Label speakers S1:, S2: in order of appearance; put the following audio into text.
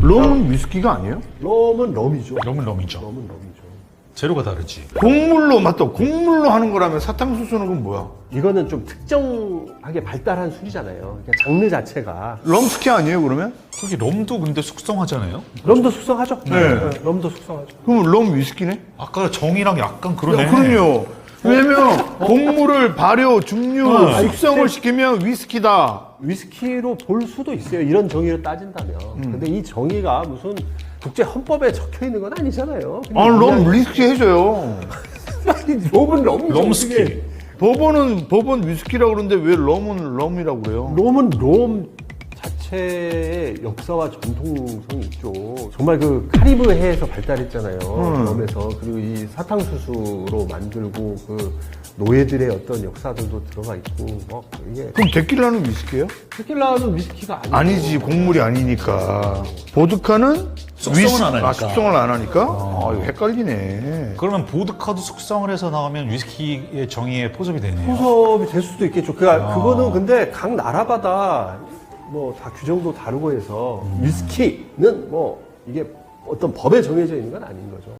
S1: 럼은 위스키가 아니에요?
S2: 럼은 럼이죠.
S3: 럼은 럼이죠.
S2: 럼은 럼이죠.
S3: 재료가 다르지.
S1: 곡물로 맞다. 곡물로 하는 거라면 사탕수수는 그건 뭐야?
S2: 이거는 좀 특정하게 발달한 술이잖아요. 그러니까 장르 자체가.
S1: 럼스키 아니에요 그러면?
S3: 그게 럼도 근데 숙성하잖아요.
S2: 럼도 숙성하죠.
S1: 네.
S2: 럼도 숙성하죠.
S1: 그럼 럼 위스키네?
S3: 아까 정이랑 약간 그러네.
S1: 그럼요. 왜냐면 곡물을 발효, 증류, 숙성을 시키면 위스키다.
S2: 위스키로 볼 수도 있어요. 이런 정의로 따진다면. 근데 이 정의가 무슨 국제 헌법에 적혀 있는 건 아니잖아요.
S1: 아, 럼 위스키 해줘요.
S2: 럼은 럼이죠.
S3: 럼스키.
S1: 법은 위스키라고 그러는데 왜 럼은 럼이라고 그래요?
S2: 럼은 럼 자체의 역사와 전통성이 있죠. 정말 그 카리브해에서 발달했잖아요. 럼에서. 그리고 이 사탕수수로 만들고 그 노예들의 어떤 역사들도 들어가 있고 막 이게
S1: 그럼 데킬라는 위스키예요?
S2: 테킬라는 위스키가 아니죠.
S1: 아니지, 곡물이 아니니까. 보드카는
S3: 숙성을 안 하니까.
S1: 숙성을 안 하니까? 아, 이거 헷갈리네.
S3: 그러면 보드카도 숙성을 해서 나오면 위스키의 정의에 포섭이 되네요.
S2: 포섭이 될 수도 있겠죠. 그거는 근데 각 나라마다 뭐 다 규정도 다르고 해서 위스키는 뭐 이게 어떤 법에 정해져 있는 건 아닌 거죠.